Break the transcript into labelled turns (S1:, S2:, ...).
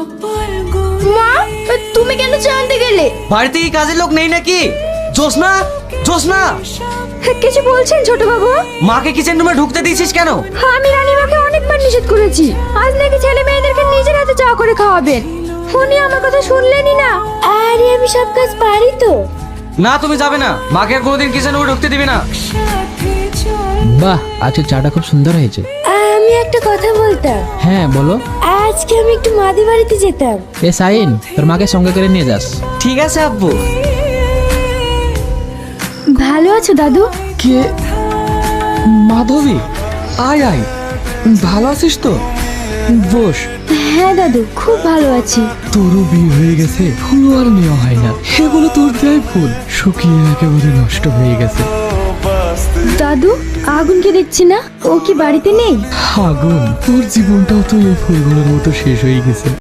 S1: মা, তুমি কেন চা আনতে গেলে?
S2: বাড়িতে কি কাজের লোক নেই নাকি? জোসনা, জোসনা,
S1: কিছু বলছেন ছোট বাবু?
S2: মাকে কিচেন রুমে ঢুকতে দিয়েছিস কেন?
S1: আমি রানীমাকে অনেকবার নিষেধ করেছি, আজ নাকি ছেলে মেয়েদেরকে নিজের হাতে চা করে খাওয়াবেন। উনি আমার কথা শুনলেনই না। আরে আমি সব কাজ পারি তো।
S2: না, তুমি যাবে না, মাকে আর কোনোদিন কিচেন রুমে ঢুকতে দিবি না।
S3: বাহ, আজকে চাটা খুব সুন্দর হয়েছে।
S1: আমি একটা কথা বলতাম।
S3: হ্যাঁ বলো।
S1: আজকে আমি একটু মাদি বাড়িতে যেতাম।
S3: এ সাইন, তোর মাকে সঙ্গে করে নিয়ে যাস।
S2: ঠিক আছে আব্বু।
S1: ভালো আছো দাদু?
S4: কে? মাধবী, আয় আয়, ভালো আছিস তো? বস।
S1: হ্যাঁ দাদু, খুব ভালো আছি।
S4: তোরও বিয়ে হয়ে গেছে, ফুল আর নেওয়া হয় না। এগুলো তোর দেয় ফুল শুকিয়ে একেবারে নষ্ট হয়ে গেছে।
S1: দাদু, আগুনকে দেখছি না, ও কি বাড়িতে নেই?
S4: আগুন, তোর জীবনটাও তো এই ফুলগুলোর মতো শেষ হয়ে গেছে।